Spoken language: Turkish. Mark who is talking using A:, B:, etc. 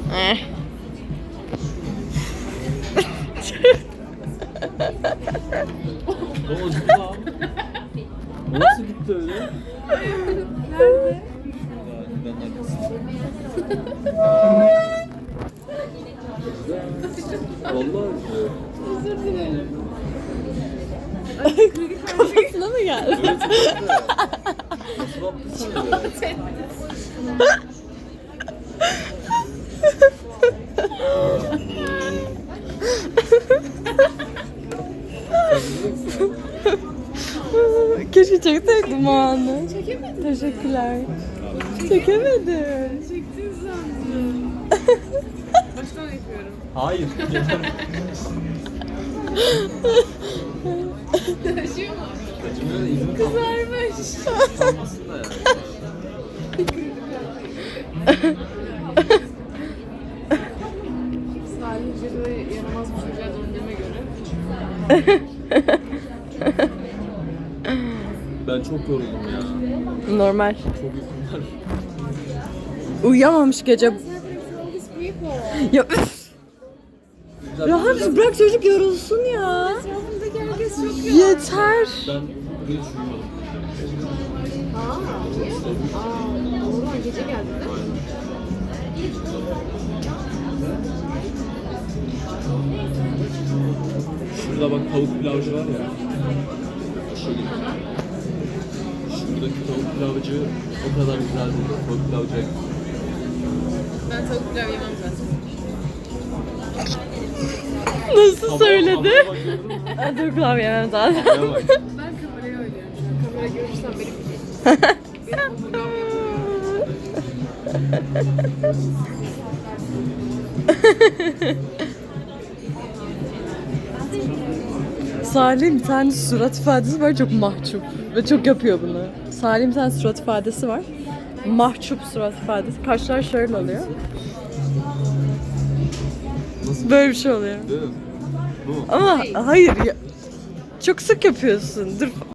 A: Ne oldu lan? Nasıl gitti öyle?
B: Nerede?
A: Vallahi
B: Özür dilerim.
C: Kafasına mı geldi?
A: evet. Nasıl yaptın sen ya?
C: Keşke çekseydim o anı.
B: Çekemedim.
C: Teşekkürler. Çekemedim.
B: Çektin sandım. Baştan yapıyorum.
A: Hayır.
B: Taşıyor mu?
A: Kaçımda izin
B: Kızarmış.
A: kalmasın da yani.
B: Salih böyle yaramaz bir çocuğa döndüğüme göre.
A: Ben çok yoruldum ya.
C: Normal.
A: Çok uykum var.
C: Uyuyamamış gece.
B: All these people.
C: Ya rahat bırak çocuk yorulsun ya.
B: Etrafımdaki herkes çok yoğun.
C: Yeter.
A: Ben bugün hiç uyumadım.
B: Niye? O zaman gece geldi değil mi?
A: Şurada bak tavuk pilavcı var ya. Şuradaki tavuk pilavcı o kadar güzel değil. Tavuk pilavcı.
B: Ben tavuk pilav yemem zaten.
C: Nasıl söyledi?
A: Kameraya bakıyorum.
C: Dur klavyem zaten.
A: Kameraya bak.
B: Ben kameraya oynuyorum şu an. Kamera görürsem benim omurgam yapıyor.
C: Salim bir tane surat ifadesi var, çok mahcup ve çok yapıyor bunu. Salim bir tane surat ifadesi var. Mahcup surat ifadesi. Kaşlar şöyle oluyor.
A: Nasıl?
C: Böyle bir şey oluyor.
A: Değil mi? Bu mu?
C: Ama hayır ya. Çok sık yapıyorsun. Dur.